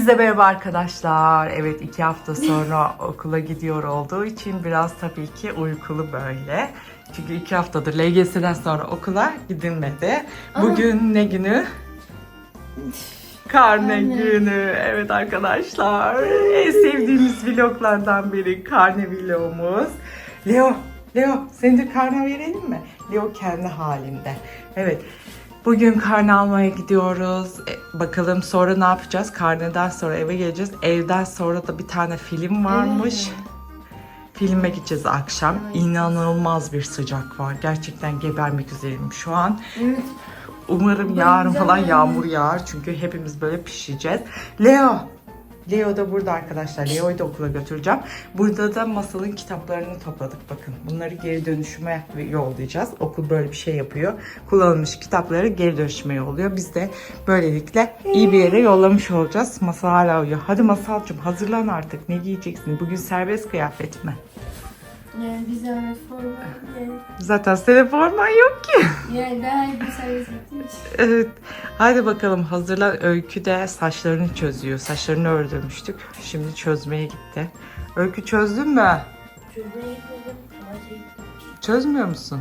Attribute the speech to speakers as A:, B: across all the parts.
A: Hepinize merhaba arkadaşlar. Evet, 2 hafta sonra okula gidiyor olduğu için biraz tabii ki uykulu böyle. Çünkü 2 haftadır LGS'den sonra okula gidilmedi. Bugün ne günü? Karne günü. Evet arkadaşlar. En sevdiğimiz vloglardan biri karne vlogumuz. Leo seni de karne verelim mi? Leo kendi halinde. Evet. Bugün karne almaya gidiyoruz. Bakalım sonra ne yapacağız? Karneden sonra eve geleceğiz. Evden sonra da bir tane film varmış. Evet. Filme gideceğiz akşam. Evet. İnanılmaz bir sıcak var. Gerçekten gebermek üzereyim şu an. Evet. Umarım yarın falan yağmur yağar. Çünkü hepimiz böyle pişeceğiz. Leo da burada arkadaşlar. Leo'yu da okula götüreceğim. Burada da Masal'ın kitaplarını topladık. Bakın bunları geri dönüşüme yollayacağız. Okul böyle bir şey yapıyor. Kullanılmış kitapları geri dönüşüme yolluyor. Biz de böylelikle iyi bir yere yollamış olacağız. Masal hala uyuyor. Hadi Masal'cığım hazırlan artık. Ne giyeceksin? Bugün serbest kıyafet mi?
B: Yani bir zahmet forma.
A: Zaten senin forman yok ki.
B: Yani daha iyi bir servis etmiş.
A: Evet. Hadi bakalım hazırlan. Öykü de saçlarını çözüyor. Saçlarını ördürmüştük. Şimdi çözmeye gitti. Öykü çözdün mü?
B: Çözmeye gitmedim.
A: Çözmüyor musun?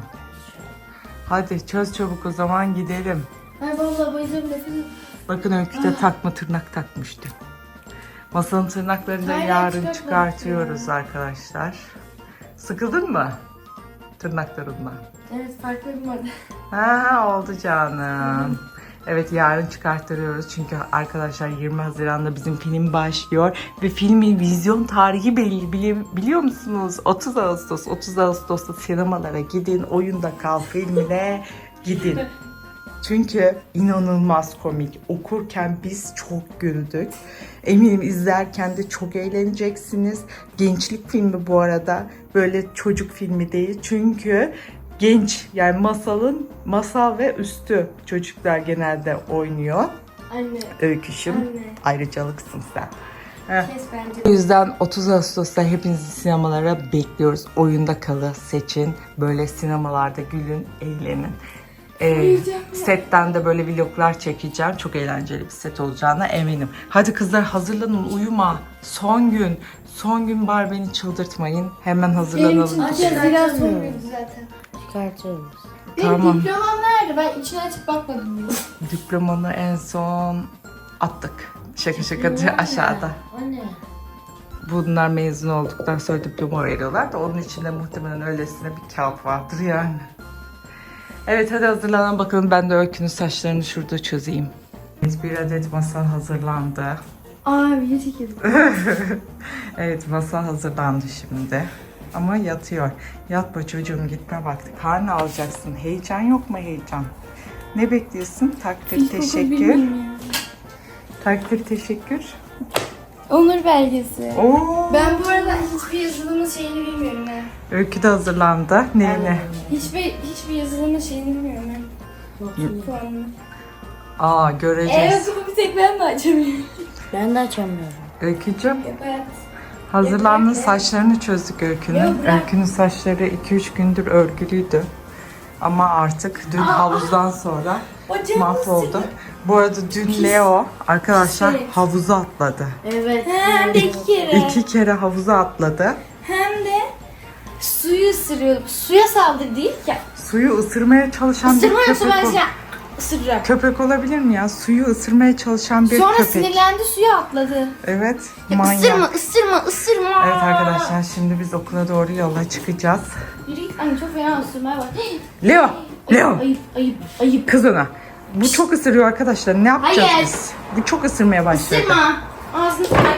A: Hadi çöz çabuk o zaman gidelim.
B: Ay vallahi bayılıyorum nefes.
A: Bakın Öykü de takma tırnak takmıştı. Masanın tırnaklarını da yarın çıkartıyoruz arkadaşlar. Sıkıldın mı tırnaklarından?
B: Evet, farklı bir model.
A: Ha, oldu canım. Evet, yarın çıkarttırıyoruz çünkü arkadaşlar 20 Haziran'da bizim film başlıyor ve filmin vizyon tarihi belli, biliyor musunuz? 30 Ağustos. 30 Ağustos'ta sinemalara gidin, Oyunda Kal filmine gidin. Çünkü inanılmaz komik. Okurken biz çok güldük. Eminim izlerken de çok eğleneceksiniz. Gençlik filmi bu arada. Böyle çocuk filmi değil. Çünkü genç, yani masal ve üstü çocuklar genelde oynuyor.
B: Anne.
A: Öyküşüm.
B: Anne.
A: Ayrıcalıksın sen.
B: Kes bence.
A: O yüzden 30 Ağustos'ta hepinizi sinemalara bekliyoruz. Oyunda Kal'ı seçin. Böyle sinemalarda gülün, eğlenin. Setten de böyle vloglar çekeceğim. Çok eğlenceli bir set olacağına eminim. Hadi kızlar hazırlanın, uyuma. Son gün. Son gün var, beni çıldırtmayın. Hemen hazırlanalım.
B: Benim için biraz sorumluydu zaten.
C: Çıkartıyoruz.
B: Benim
A: Tamam.
B: diplomam nerede? Ben içine açıp bakmadım bile.
A: Diplomanı en son attık. Şaka aşağıda.
B: Anne.
A: Bunlar mezun olduktan sonra diploma veriyorlar da onun içinde muhtemelen öylesine bir kağıt vardır yani. Evet, hadi hazırlanan bakalım. Ben de Öykü'nün saçlarını şurada çözeyim. Bir adet Masal hazırlandı.
B: Video çekildi.
A: Evet, Masal hazırlandı şimdi. Ama yatıyor. Yatma çocuğum, gitme vakti. Karnı alacaksın. Heyecan yok mu heyecan? Ne bekliyorsun? Takdir teşekkür. Takdir teşekkür.
B: Onur belgesi.
A: Oo.
B: Ben bu arada hiçbir yazılımın şeyini bilmiyorum ha.
A: Öykü de hazırlandı. Neyine?
B: Hiçbir yazılımın şeyini bilmiyorum ha. Puanını.
A: Aa, göreceğiz.
B: Evet, bu bir tek ben de açamıyorum.
C: Ben de açamıyorum.
A: Öykücüğüm.
B: Evet.
A: Hazırlandın, saçlarını çözdük Öykü'nün.
B: Yok, bırak.
A: Öykü'nün saçları 2-3 gündür örgülüydü. Ama artık dün havuzdan sonra mahvoldu. Bu arada dün Leo arkadaşlar havuza atladı.
B: Evet. Hem de 2 kere.
A: 2 kere havuza atladı.
B: Hem de suyu ısırıyordu. Suya saldırdı değil ya.
A: Suyu ısırmaya çalışan bir
B: Isırmıyorsa ben
A: köpek.
B: ısıracağım.
A: Köpek olabilir mi ya? Suyu ısırmaya çalışan bir
B: Sonra
A: köpek.
B: sinirlendi, suya atladı.
A: Evet.
B: Ya
A: Manyak.
B: ısırma.
A: Evet arkadaşlar, şimdi biz okula doğru yola çıkacağız.
B: Yürü git. Ay, çok fena ısırmaya bak.
A: Leo! Leo!
B: Ayıp.
A: Kız ona. Bu çok ısırıyor arkadaşlar. Ne yapacağız
B: Hayır.
A: biz? Bu çok ısırmaya başladı.
B: Isırma. Ağzını bırak.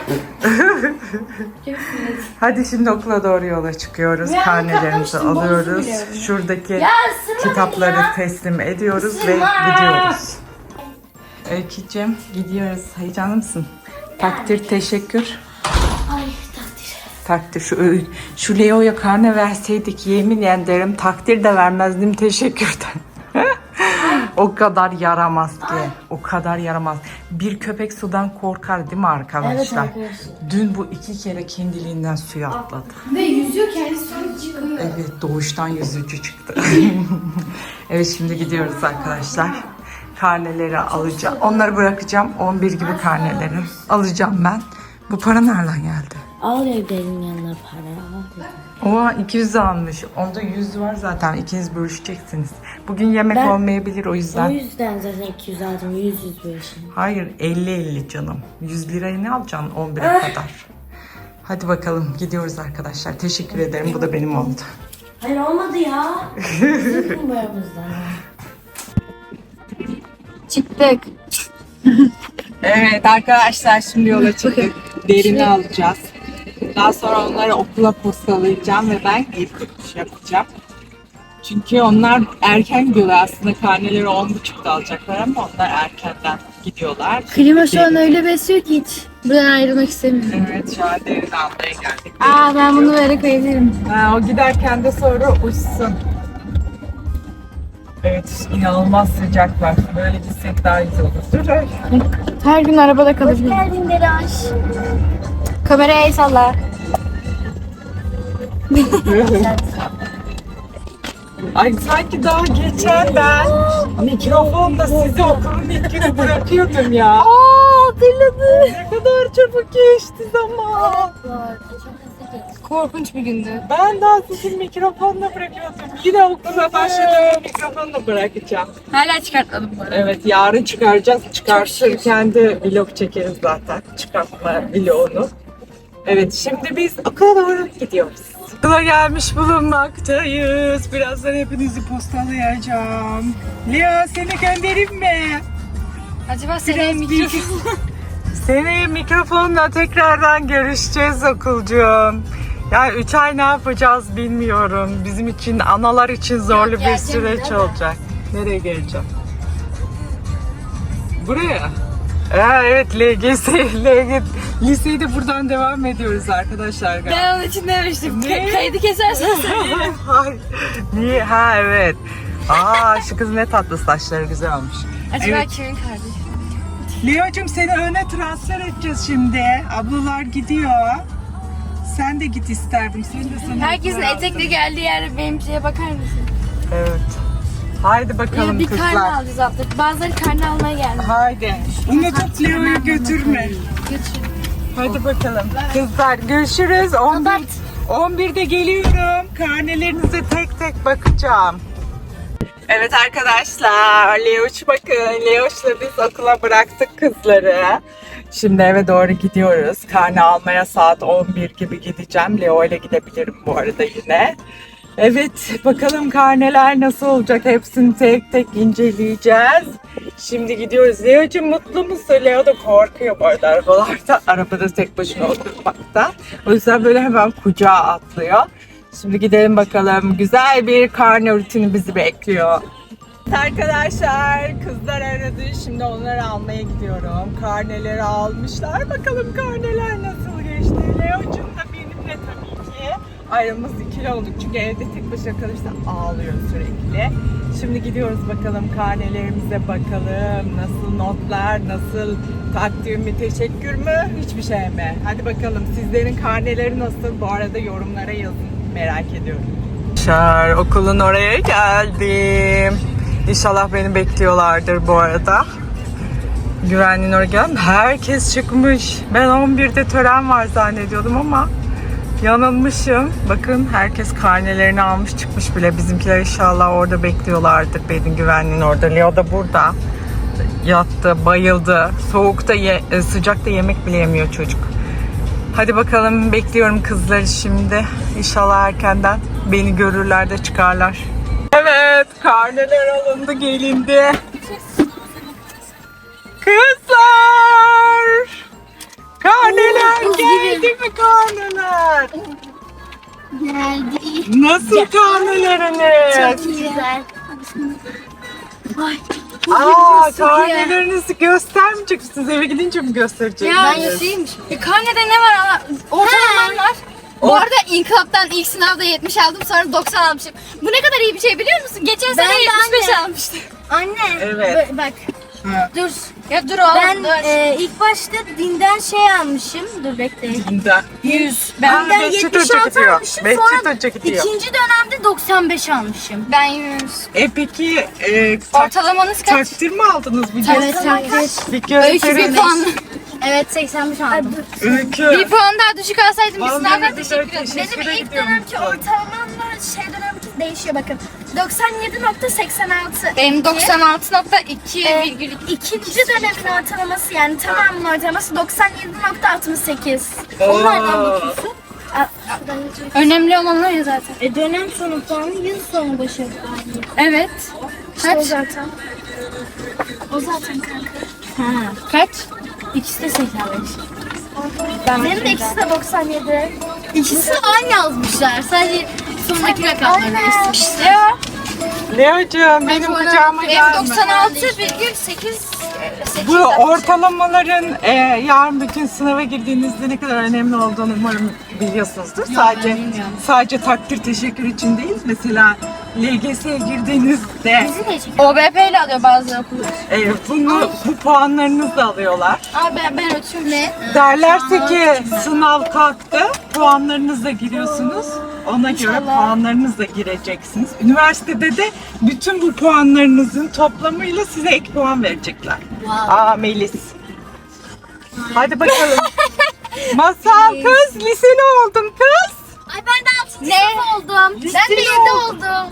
A: Hadi şimdi okula doğru yola çıkıyoruz.
B: Ya,
A: Karnelerimizi
B: katlamıştım,
A: alıyoruz.
B: bozusu biliyorum.
A: Şuradaki
B: Ya ısırma
A: kitapları
B: beni ya.
A: teslim ediyoruz ve
B: Isırma.
A: gidiyoruz. Öykücüğüm, gidiyoruz. Heyecanlı mısın? Takdir, teşekkür.
B: Ay, takdir.
A: Takdir. Şu Leo'ya karne verseydik yemin ederim takdir de vermezdim, teşekkürden. O kadar yaramaz ki. O kadar yaramaz. Bir köpek sudan korkar değil mi arkadaşlar?
C: Evet arkadaşlar.
A: Dün bu 2 kere kendiliğinden suya atladı.
B: Ve yüzüyor, kendisi sonra çıkıyor.
A: Evet, doğuştan yüzücü çıktı. Evet, şimdi gidiyoruz arkadaşlar. karneleri alacağım. Onları bırakacağım. 11 gibi karneleri alacağım ben. Bu para nereden geldi?
C: Al evdenin yanına para. Al dedim.
A: Oha 200 almış. Onda 100 var zaten. İkiniz bölüşeceksiniz. Bugün yemek
C: Ben-
A: olmayabilir o
C: O
A: yüzden.
C: yüzden zaten 200 aldım. 100
A: Hayır 50 canım. 100 lirayı ne alacaksın 11'e kadar? Hadi bakalım gidiyoruz arkadaşlar. Teşekkür ederim. Bu da benim oldu.
C: Hayır olmadı ya. Bizim kumbaramızdan.
B: Çıktık.
A: Evet arkadaşlar şimdi yola çıktık. Derini alacağız. Daha sonra onları okula postalayacağım ve ben geri dönüş yapacağım. Çünkü onlar erken gidiyorlar aslında. Karneleri 10.30'da alacaklar ama onlar erkenden gidiyorlar.
B: Klima şu an öyle besliyor ki hiç. Buradan ayrılmak istemiyorum.
A: Evet şu an derini almaya geldik.
B: Aa ben bunu böyle koyabilirim.
A: Ha, o giderken de sonra uçsun. Evet inanılmaz sıcak var. Böyle gitsek daha güzel olur. Dur ay.
B: Her gün arabada kalabilirim. Hoş geldin Delaş. Kameraya el salla.
A: Ay sanki daha geçen ben mikrofonda sizi okulun ilk günü bırakıyordum ya.
B: Aa hatırladım.
A: Ne kadar çabuk geçti zaman.
B: Korkunç bir gündü.
A: Ben daha sizi mikrofonla bırakıyordum. Yine okula başladığım mikrofonla bırakacağım.
B: Hala çıkartmadım bu arada.
A: Evet yarın çıkaracağız. Çıkartırken de vlog çekeriz zaten. Çıkartma vlogunu. Evet şimdi biz okula doğru gidiyoruz. Okula gelmiş bulunmaktayız. Birazdan hepinizi postalayacağım. Leo seni göndereyim mi?
B: Acaba seneye mikrofon...
A: Seneye mikrofonla tekrardan görüşeceğiz okulcuğum. Yani 3 ay ne yapacağız bilmiyorum. Bizim için, analar için zorlu bir
B: geleceğim
A: süreç
B: değil mi?
A: olacak. Nereye geleceğim? Buraya. Evet liseyi de buradan devam ediyoruz arkadaşlar. galiba.
B: Ben onun için demiştim.
A: Ne?
B: Kaydı kesersen söylerim.
A: Ay, niye? Ha evet. Aa şu kız ne tatlı saçları güzel olmuş.
B: Acaba
A: Evet.
B: kimin kardeşi?
A: Leo'cum seni öne transfer edeceğiz şimdi. Ablalar gidiyor. Sen de git isterdim. Sen de sana
B: Herkesin etekle geldiği yerde benimkiye bakar mısın?
A: Evet. Haydi bakalım
B: Bir karne
A: kızlar.
B: alacağız artık. Bazıları karne almaya geldi.
A: Haydi. Unutup Leo'yu götürme.
B: Götür.
A: Hadi bakalım. Kızlar görüşürüz. 11'de geliyorum. Karnelerinize tek tek bakacağım. Evet arkadaşlar. Leoş bakın. Leoş'la biz okula bıraktık kızları. Şimdi eve doğru gidiyoruz. Karne almaya saat 11 gibi gideceğim. Leo ile gidebilirim bu arada yine. Evet bakalım karneler nasıl olacak hepsini tek tek inceleyeceğiz. Şimdi gidiyoruz. Leo'cum mutlu musun? Leo da korkuyor bu arada arabalarda. Arabada tek başına oturmakta. O yüzden böyle hemen kucağa atlıyor. Şimdi gidelim bakalım. Güzel bir karne rutini bizi bekliyor. Arkadaşlar kızlar aradı. Şimdi onları almaya gidiyorum. Karneleri almışlar. Bakalım karneler nasıl geçti. Leo'cum da benimle tabii ki. Aramız ikili olduk çünkü evde tek başına kalırsa ağlıyor sürekli. Şimdi gidiyoruz bakalım karnelerimize bakalım. Nasıl notlar, nasıl takdir mi, teşekkür mü, hiçbir şey mi? Hadi bakalım sizlerin karneleri nasıl? Bu arada yorumlara yazın. Merak ediyorum. Okulun oraya geldim. İnşallah beni bekliyorlardır bu arada. Güvenliğin oraya geldim. Herkes çıkmış. Ben 11'de tören var zannediyordum ama yanılmışım. Bakın herkes karnelerini almış çıkmış bile. Bizimkiler inşallah orada bekliyorlardır. Benim güvenliğin orada. Leo da burada. Yattı, bayıldı. Soğukta, sıcakta yemek bile yemiyor çocuk. Hadi bakalım bekliyorum kızları şimdi. İnşallah erkenden beni görürler de çıkarlar. Evet, karneler alındı, gelindi. Kızlar! Karneler geldi mi karneler?
B: Geldi.
A: Nasıl karneleriniz?
B: Güzel. Ay.
A: Karnelerinizi göstermeyecek misiniz? Eve gidince mi göstereceksiniz?
B: Ben Yusuf'ymiş. Karnede ne var ama ortalamam var. Bu arada İnkılap'tan ilk sınavda 70 aldım sonra 90 almışım. Bu ne kadar iyi bir şey biliyor musun? Geçen sene 75 almıştım.
C: Anne.
A: Evet.
C: Bak. Dur.
B: Ya dur oğlum
C: Ben
B: dur.
C: ilk başta dinden şey almışım. Dur bekle.
A: Dinde.
B: 100.
A: Ben
C: Ben
A: 500 önce
C: 76
A: gidiyor.
C: almışım.
A: 500
C: Sonra
A: önce gidiyor.
C: ikinci dönemde 95 almışım.
B: Ben 100.
A: Peki
B: Ortalamanız kaç?
A: takdir mi aldınız? Bir
C: Evet, takdir.
A: Bir
B: Öykü bir
A: gösterin.
B: puan.
C: Evet 85 aldım.
A: Öykü.
B: Bir puan daha düşük alsaydım bir
A: Vallahi
B: sınavdan
A: güzel,
B: teşekkür ederim.
A: teşekkür
C: Benim ilk
A: ediyorum.
C: dönemki ortalamamla şey dönemki değişiyor bakın. 97.86.
B: Benim 96.2,2.
C: İkinci dönemin ortalaması yani tamamının ortalaması 97.68.
A: Oo.
C: Onlardan bakıyorsun.
B: Önemli olan o ya zaten.
C: Dönem sonu puanı yıl sonu başarı puanı.
B: Evet.
C: İşte o
B: Kaç?
C: zaten. O zaten kanka.
B: Kaç?
C: İkisi de 85. Benim de ikisi de 97.
B: İkisi aynı yazmışlar. Sadece sondaki rakamları değiştirmişler.
C: Ya.
A: Leo'cuğum benim kucağıma
B: Benim
A: gelme.
B: 96,8.
A: Bu ortalamaların yarın bütün sınava girdiğinizde ne kadar önemli olduğunu umarım biliyorsunuzdur. Sadece takdir teşekkür için değil. Mesela LGS'ye girdiğinizde
B: OBP ile alıyor bazı okullar.
A: bu puanlarınızı da alıyorlar.
B: Abi ben ötüyorum. Ne?
A: Derlerse ki sınav kalktı, puanlarınızla giriyorsunuz. Ona göre puanlarınızla gireceksiniz. Üniversitede de bütün bu puanlarınızın toplamıyla size ek puan verecekler. Aa Melis. Hadi bakalım. Masal kız, liseli oldun kız.
C: Ay ben de 6.
B: Ne?
C: sınıf oldum. Ben de 7 oldum.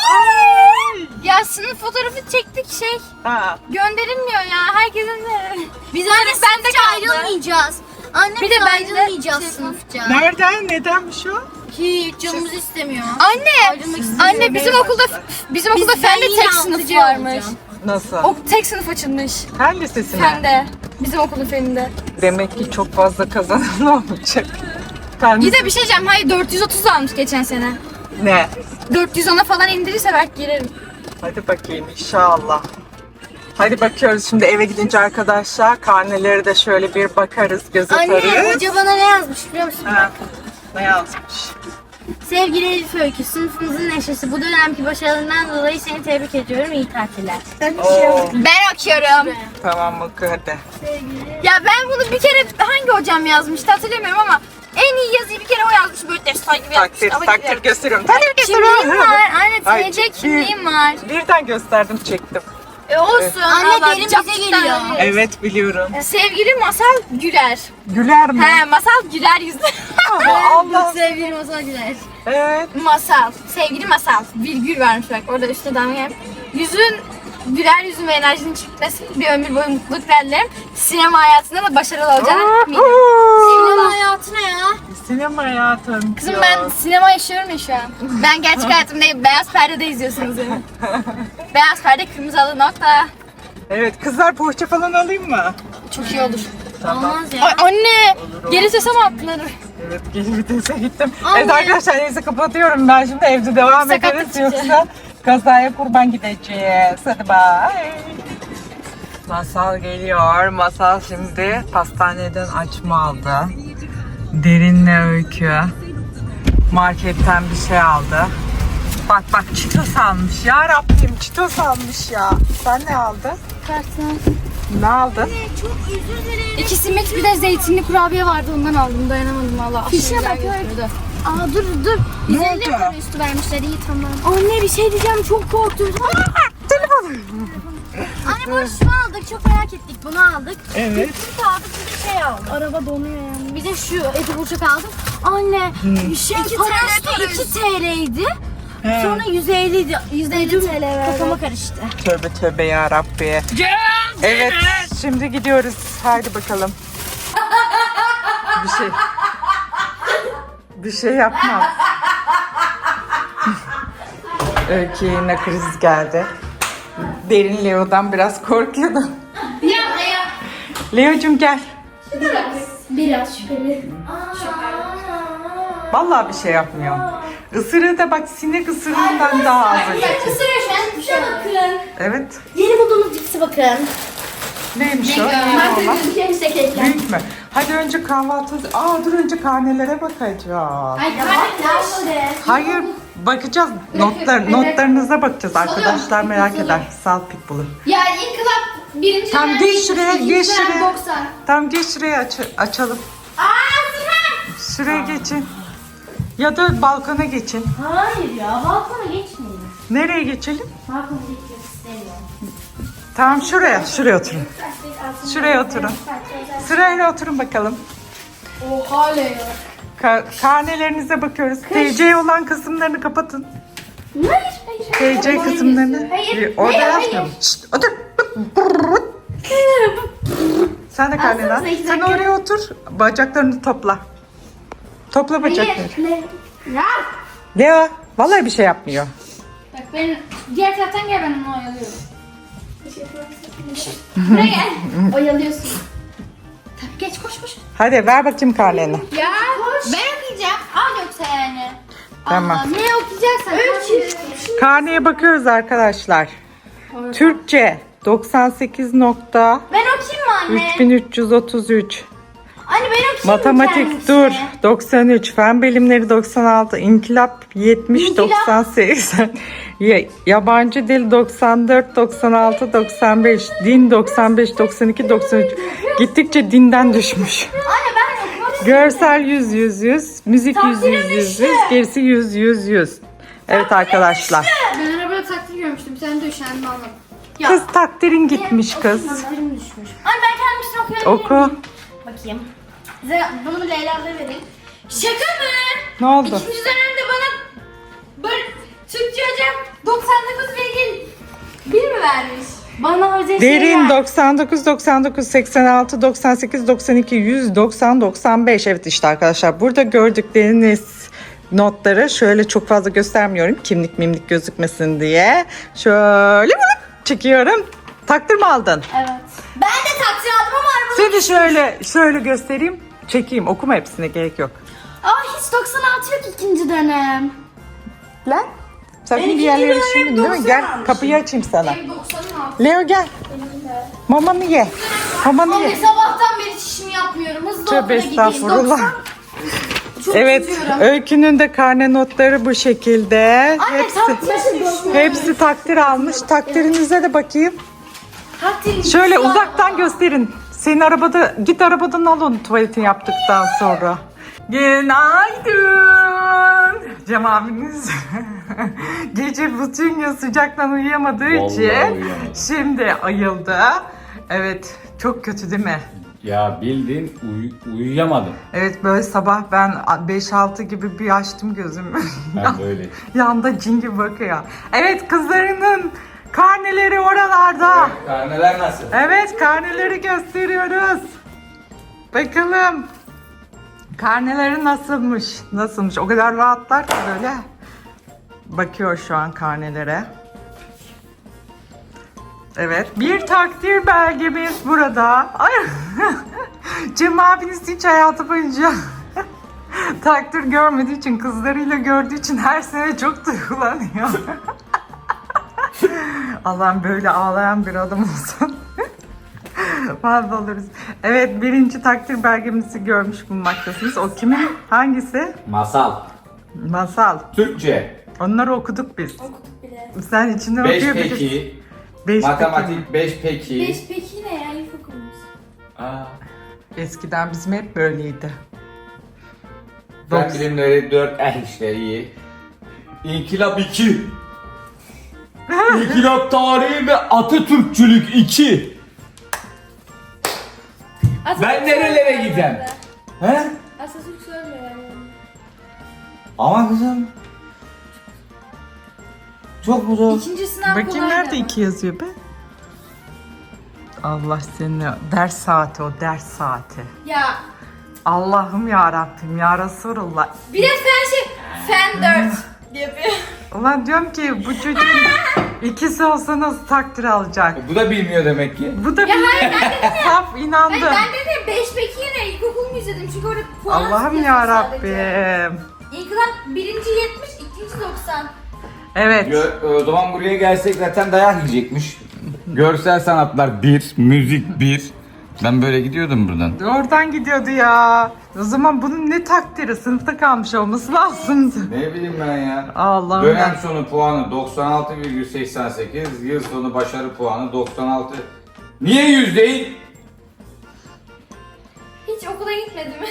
B: Ya sınıf fotoğrafı çektik şey.
A: Ha.
B: Gönderilmiyor ya. Herkesin de.
C: Biz
B: Anne,
C: anne
B: bende
C: sınıfça
B: kaldı.
C: ayrılmayacağız. Anne
B: Bir
C: bir
B: de
C: de
B: bende
C: ayrılmayacağız
B: şey-
C: sınıfça.
A: Nereden? Nedenmiş o?
C: Hiç canımız istemiyor.
B: Anne, anne bizim okulda fende
C: yine
B: tek sınıf
C: altıcı
B: varmış.
C: olacağım.
A: Nasıl?
B: O tek sınıf açılmış.
A: Fen lisesine.
B: Fende. Bizim okulun feninde.
A: Demek ki çok fazla kazanan olacak. Fen
B: Bir de bir şey diyeceğim. Hayır 430 almış geçen sene.
A: ne?
B: 410'a falan indirirse belki girerim.
A: Hadi bakayım inşallah. Hadi bakıyoruz şimdi eve gidince arkadaşlar. Karneleri de şöyle bir bakarız, göz
C: Anne
A: atarız.
C: hoca bana ne yazmış biliyor musun?
A: Ha, ne yazmış?
C: Sevgili Elif Öykü, sınıfımızın neşesi. Bu dönemki başarılarından dolayı seni tebrik ediyorum. İyi tatiller.
A: Oo,
B: Ben okuyorum.
A: tamam oku hadi.
B: Ya ben bunu bir kere hangi hocam yazmıştı hatırlamıyorum ama en iyi yazıyı bir kere o yazmış böyle destan gibi
A: Takdir,
B: yazmış.
A: takdir gösteriyorum. Takdir
B: Kimliğim
A: gösteriyorum.
B: var. Anne
A: Ay,
B: TC kimliğim var.
A: Birden gösterdim, çektim.
B: Olsun.
C: Anne,
B: Allah,
C: derin
B: çok
C: bize
B: cidden
C: geliyor.
B: öyle.
A: Evet biliyorum.
B: Sevgili Masal Güler.
A: Güler mi?
B: He Masal Güler yüzlü.
A: Allah.
C: Sevgili Masal Güler.
A: Evet.
B: Masal. Sevgili Masal. Virgül varmış bak orada üstte damga yap. Yüzün güler yüzün ve enerjinin çıkması bir ömür boyu mutluluk dilerim. Sinema hayatında da başarılı olacağına eminim.
C: Sinema hayatı ne ya?
A: Sinema hayatım.
B: Kızım ben sinema yaşıyorum ya şu an. Ben gerçek hayatımda değil, beyaz perdede izliyorsunuz beni. Beyaz perde kırmızı halı nokta.
A: Evet kızlar poğaça falan alayım mı?
B: Çok iyi olur.
A: Tamam.
C: Olmaz ya.
B: Ay anne! Geri sese mi attılar?
A: Evet geri vitese gittim.
C: Anne.
A: Evet arkadaşlar neyse kapatıyorum ben şimdi evde devam
B: Sakatlık
A: ederiz
B: çıkacak.
A: yoksa kazaya kurban gideceğiz. Hadi bye. Masal geliyor. Masal şimdi pastaneden açma aldı. Derinle Öykü. Marketten bir şey aldı. Bak bak çitos almış ya Rabbim çitos almış ya. Sen ne aldın?
B: Kartın.
A: Ne aldın?
C: Çok özür dilerim.
B: 2 simit bir de zeytinli kurabiye vardı ondan aldım dayanamadım valla.
C: Fişe bak, Aa dur dur.
A: Ne
C: 150
A: oldu?
C: para üstü vermişler iyi tamam. Anne bir şey diyeceğim çok korktum. Anne bunu şunu aldık çok merak ettik bunu aldık.
A: Evet.
C: Süt aldık bir de şey aldık. Araba donuyor yani. Bir de şu eti burçak aldım. Anne bir şey parası 2 TL'ydi. Sonra 150 idi. 150 TL verdi. Kafama karıştı.
A: Tövbe tövbe ya Rabbi. Evet şimdi gidiyoruz. Haydi bakalım. Bir şey yapmam. Öykü yine kriz geldi. Derin Leo'dan biraz korkuyordum. Leo'cum gel.
C: Biraz şüpheli.
A: Vallahi bir şey yapmıyor. Isırığı da bak sinek ısırığından daha az acı.
C: Isırıyor şu an. Bir şey bakın.
A: Evet.
C: Yeni bulduğumuz cipsi bakın.
A: Neymiş o? Büyük mü? Hadi önce kahvaltı... dur önce karnelere bakacağız. Hayır bakacağız. Notlarınıza bakacağız arkadaşlar merak eder. Sal Pitbull'u.
B: Ya inkılap Birinci
A: Tam
B: dönem
A: geç şuraya,
B: ikinci
A: geç
B: dönem
A: şuraya.
B: 90.
A: Tamam geç şuraya açalım. Şuraya geçin. Ya da balkona geçin.
C: Hayır ya balkona geçmeyin.
A: Nereye geçelim?
C: Balkona geçmek istemiyorum.
A: Tamam şuraya oturun. Şuraya oturun. Sırayla oturun bakalım.
B: Oha Leo.
A: Karnelerinize bakıyoruz. TC olan kısımlarını kapatın.
C: Hayır.
A: TC kısımlarını.
B: Hayır,
A: Orada
B: hayır,
A: yazmıyor mu? Şşt, otur. Sen de karneni al.
C: Alsanıza iki
A: Sen
C: dakika.
A: oraya otur. Bacaklarını topla. Topla bacakları.
B: Ya.
A: Leo vallahi bir şey yapmıyor.
B: Bak ben diğer taraftan gel, ben onu oyalıyorum. Buraya gel. Oyalıyorsun. Tabii geç, koş.
A: Hadi ver bakayım karneni.
B: Ya ben okuyacağım. Al yoksa yani.
A: Tamam.
B: Allah, ne okuyacaksan.
A: Karneye bakıyoruz arkadaşlar. Türkçe 98 nokta
B: Ben okuyayım mı anne?
A: 3333.
B: Anne ben okuyayım mı
A: Matematik
B: kendisi?
A: dur 93, fen bilimleri 96, inkılap 70, 98, yabancı dil 94, 96, 95, din 95, 92, 93. Gittikçe dinden düşmüş.
B: Anne ben okumak istiyorum.
A: Görsel 100, müzik 100, gerisi 100. Evet arkadaşlar.
B: Ben arabada takdir görmüştüm. Sen de üşendim, anladım. Ya.
A: Kız takdirin gitmiş kız.
C: Takdirim düşmüş.
B: Anne ben kendimizin okuyabilir
A: Oku.
B: miyim?
C: Bakayım.
B: Bunu Leyla'da verin. Şaka mı?
A: Ne oldu?
B: İkinci dönemde bana böyle Türkçe hocam 99,1 mi vermiş?
C: Bana hoca
A: Derin 99, 99, 86, 98, 92, 100, 90, 95. Evet işte arkadaşlar burada gördükleriniz notları şöyle çok fazla göstermiyorum. Kimlik gözükmesin diye. Şöyle çekiyorum. Takdir mi aldın?
C: Evet.
B: Ben de takdir aldım ama arabada...
A: Seni şöyle göstereyim. Çekeyim. Okuma hepsine gerek yok.
C: Hiç 96 yok ikinci dönem.
A: Lan. Sakın
C: Ben
A: bir yerlere
C: ikinci dönem
A: şimdi değil mi?
C: 90
A: Gel
C: almışım.
A: kapıyı açayım sana.
B: Benim 90'ım aldım.
A: Leo gel. Mamanı ye. Mamanı
B: Anne
A: ye.
B: sabahtan beri çişimi yapmıyorum. Hızlı
A: Tövbe
B: okula gideyim.
A: estağfurullah.
B: 90. Çok
A: Evet,
B: üzülüyorum.
A: Öykü'nün de karne notları bu şekilde.
B: Anne
A: Hepsi takdir almış. Takdirinize de bakayım.
B: takdir.
A: Şöyle uzaktan gösterin. Senin arabada, git arabadan al onu tuvaletini yaptıktan sonra. Günaydın. Cem abiniz gece bütün gün sıcaktan uyuyamadığı
D: Vallahi
A: için
D: uyuyamadım.
A: şimdi ayıldı. Evet, çok kötü değil mi?
D: Ya bildiğin uyuyamadım.
A: Evet böyle sabah ben 5-6 gibi bir açtım gözümü.
D: Ben böyle.
A: Yanda cin gibi bakıyor. Evet kızlarının karneleri oralarda.
D: Karneler nasıl?
A: Evet karneleri gösteriyoruz. Bakalım. Karneleri nasılmış? Nasılmış? O kadar rahatlar ki böyle. Bakıyor şu an karnelere. Evet. Bir takdir belgemiz burada. Ay. Cem abiniz hiç hayatı boyunca takdir görmediği için, kızlarıyla gördüğü için her sene çok duygulanıyor. Allah'ım böyle ağlayan bir adam olsun. Mahvoluruz. Evet, birinci takdir belgemizi görmüş bulunmaktasınız. O kimin? Hangisi?
D: Masal.
A: Masal.
D: Türkçe.
A: Onları okuduk biz.
C: Okuduk bile.
A: Sen içinden
D: 5
A: okuyabilirsin.
D: peki.
A: Beş
D: Matematik 5 peki.
B: 5 peki ne ya, ilkokulumuz?
D: Aa.
A: Eskiden bizim hep böyleydi.
D: Fen bilimleri 4 işte iyi. İnkılap 2. İnkılap tarihi ve Atatürkçülük 2. Ben nerelere gideceğim? He?
B: Atatürk söylüyor yani.
D: Ama kızım. Çok mu zor?
B: İkinci sınav
A: Bakayım
B: kolaydı
A: nerede
B: ama.
A: 2 yazıyor be? Allah seni, ders saati o, ders saati.
B: Ya
A: Allah'ım ya Rabbim ya Resulullah.
B: bir de fen 4 yapıyor.
A: Ulan diyorum ki bu çocuğun ikisi olsa nasıl takdir alacak?
D: Bu da bilmiyor demek ki.
A: Bu da bir saf inandı.
B: Ben de 5 peki ne, ilkokul mu izledim çünkü orada puan
A: Allah'ım
B: yazıyor
A: ya
B: sadece.
A: Rabbim.
B: İlkokul birinci 70, ikinci 90.
A: Evet.
D: O zaman buraya gelsek zaten dayak yiyecekmiş. Görsel sanatlar 1, müzik 1. Ben böyle gidiyordum buradan.
A: Oradan gidiyordu ya. O zaman bunun ne takdiri? Sınıfta kalmış olması lazımdı.
D: Ne bileyim ben ya.
A: Allah'ım
D: Dönem
A: ya.
D: sonu puanı 96,88, yıl sonu başarı puanı 96,88. Niye 100 değil?
B: Hiç okula gitmedi mi?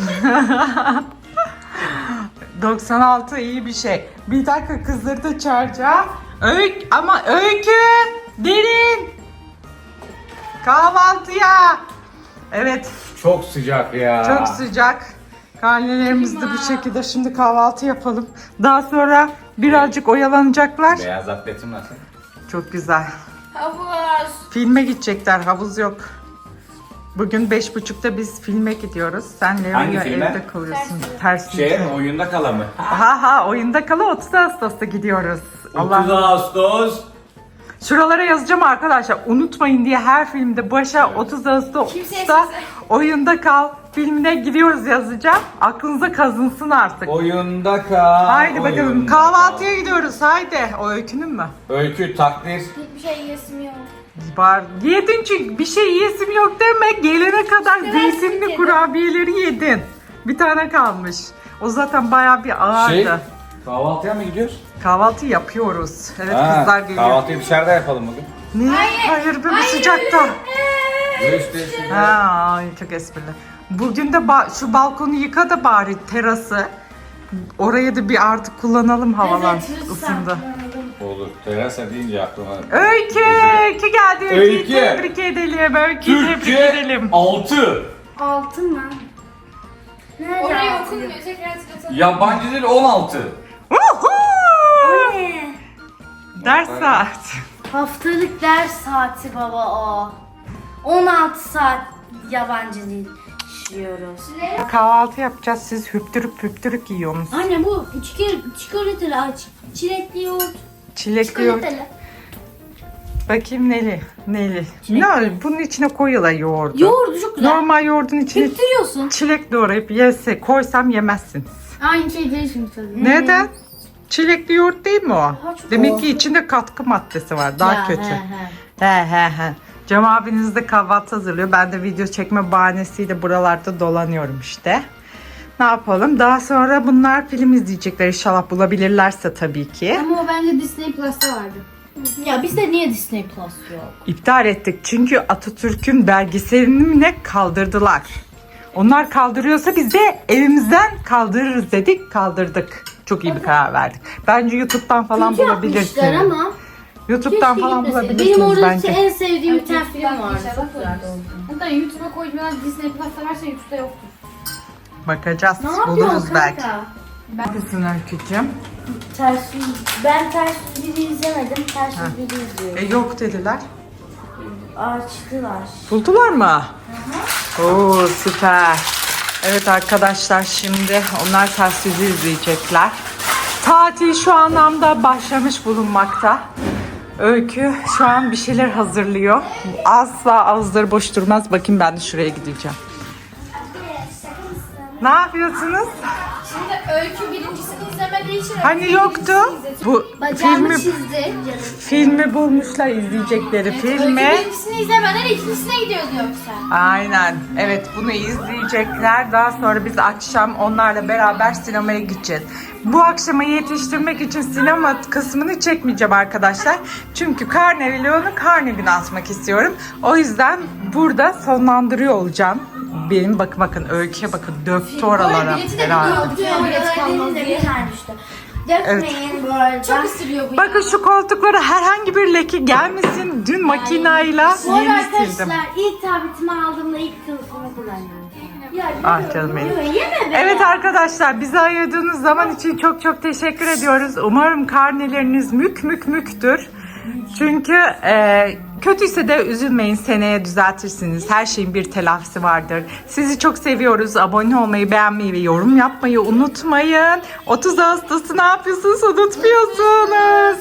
A: 96 iyi bir şey. Bir dakika kızları da çağıracağım. Öykü gelin. Kahvaltıya. Evet
D: Çok sıcak ya.
A: çok sıcak. Karnelerimizi de bu şekilde şimdi kahvaltı yapalım. Daha sonra birazcık oyalanacaklar.
D: Beyaz atletim nasıl?
A: Çok güzel.
B: Havuz.
A: Filme gidecekler, havuz yok. Bugün 5.30'da biz filme gidiyoruz. Sen
D: Hangi
A: Leo'yla
D: filme?
A: evde kalıyorsun. Ters
D: Şey oyunda kala mı?
A: Ha oyunda kala 30 Ağustos'ta gidiyoruz.
D: 30
A: Allah.
D: Ağustos.
A: Şuralara yazacağım arkadaşlar. Unutmayın diye her filmde başa 30
B: Kimseye
A: Ağustos'ta oyunda kal filmine gidiyoruz yazacağım. Aklınıza kazınsın artık.
D: Oyunda kal.
A: Haydi bakalım
D: oyunda
A: kahvaltıya
D: kal.
A: gidiyoruz haydi. O Öykünün mü?
D: Öykü takdir.
C: Hiçbir şey yesim yok.
A: Var. Yedin çünkü bir şey yesim yok deme. Gelene kadar zeytinli
B: yedim.
A: kurabiyeleri yedin. Bir tane kalmış. O zaten bayağı bir ağırdı.
D: Şey, kahvaltıya mı gidiyoruz?
A: Kahvaltı yapıyoruz. Evet
D: Ha,
A: kızlar geliyor.
D: kahvaltıyı dışarıda yapalım bugün.
A: Ne? Hayır be bu sıcakta.
D: Göstersin.
A: Ha, ay, çok esprili. Bugün de şu balkonu yıka da bari terası. Oraya da bir artık kullanalım havalan ısındı.
D: Olur. Terasa deyince aklıma.
A: Öykü geldi. Öykü'yü
D: Öykü.
A: tebrik edelim. Öykü'yü tebrik
D: Türkçe
A: edelim.
D: 6.
C: Altın mı? Nerede
B: Orayı
C: altın?
B: okunmuyor. Tekrar tıklatalım.
D: Yabancı dil 16.
A: Uhu!
C: Ne?
A: Ders saat.
C: Haftalık ders saati baba o. 16 saat yabancı dil işliyoruz.
A: Kahvaltı yapacağız. Siz hüptürük yiyorsunuz.
C: Anne bu çikolatalı aç. Çilekli yoğurt.
A: Çilekli yoğurt. Bakayım neli. Ne? Bunun içine koyuyorlar yoğurdu.
C: Yoğurdu çok güzel.
A: Normal yoğurdun içine
C: Hüptürüyorsun.
A: çilek doğrayıp koysam yemezsiniz.
C: Aynı şey değil şimdi tabii.
A: Neden? Çilekli yoğurt değil mi o?
C: çok
A: Demek
C: o.
A: ki içinde katkı maddesi var. Daha
C: Ya,
A: kötü.
C: he.
A: He. Cem abiniz de kahvaltı hazırlıyor. Ben de video çekme bahanesiyle buralarda dolanıyorum işte. Ne yapalım? Daha sonra bunlar film izleyecekler inşallah bulabilirlerse tabii ki.
C: Ama o bence Disney Plus'ta vardı. Ya bizde niye Disney Plus yok?
A: İptal ettik çünkü Atatürk'ün belgeselini mi ne kaldırdılar. Onlar kaldırıyorsa biz de evimizden kaldırırız dedik, kaldırdık. Çok iyi bir karar verdik. Bence YouTube'dan falan
C: Kötü yapmışlar
A: bulabilirsiniz.
C: ama
A: YouTube'dan
C: keşke
A: falan
C: gitmeseydi.
A: bulabilirsiniz
C: Benim orada
A: bence.
C: en sevdiğim bir tane
B: Evet,
C: film
B: YouTube'dan
C: vardı.
B: inşallah
C: Çok güzel
B: koyarız.
C: oldu.
B: Hatta YouTube'a koymadan Disney Plus'ta varsa YouTube'da yoktur.
A: Bakacağız,
C: Ne
A: buluruz
C: yapıyorsun
A: belki.
C: kanka?
A: Neredesin Öykücüğüm?
C: Ben ters biri izlemedim. Ters biri izliyorum.
A: Yok dediler.
C: Açtılar.
A: Buldular mı? Oo süper. Evet arkadaşlar şimdi onlar ters yüzü izleyecekler. Tatil şu anlamda başlamış bulunmakta. Öykü şu an bir şeyler hazırlıyor. Asla ağızları boş durmaz. Bakayım ben de şuraya gideceğim. Ne yapıyorsunuz?
B: Şimdi Öykü birincisini izlemediği için
A: Hani
B: Öykü
A: yoktu?
B: ikincisini izledi.
A: Bu
C: Bacağımı
A: filmi
C: çizdi.
A: filmi bulmuşlar izleyecekleri filmi.
B: Öykü birincisini izlemeden ikincisine gidiyordu yoksa.
A: Aynen. Evet bunu izleyecekler. Daha sonra biz akşam onlarla beraber sinemaya gideceğiz. Bu akşama yetiştirmek için sinema kısmını çekmeyeceğim arkadaşlar. Çünkü karne vlogunu karne günü atmak istiyorum. O yüzden burada sonlandırıyor olacağım. Benim bakın Öykü'ye bakın döktü oralara
B: bileti de
A: herhalde.
B: biliyor. Bilet kalmaz diye.
C: Bir tane düştü. Dökmeyin bu arada.
B: Çok ısırıyor bu.
A: Bakın şu koltuklara herhangi bir leke gelmesin. Dün makinayla
C: Bu arada
A: yeni sildim.
C: arkadaşlar ilk tabletimi aldığımda ilk kılıfımı kullanıyorum. Ya,
A: Ah canım benim.
C: yeme be.
A: Evet arkadaşlar bize ayırdığınız zaman için çok çok teşekkür ediyoruz. Umarım karneleriniz müktür. Çünkü kötüyse de üzülmeyin, seneye düzeltirsiniz. Her şeyin bir telafisi vardır. Sizi çok seviyoruz. Abone olmayı, beğenmeyi ve yorum yapmayı unutmayın. 30 Ağustos'u ne yapıyorsunuz unutmuyorsunuz.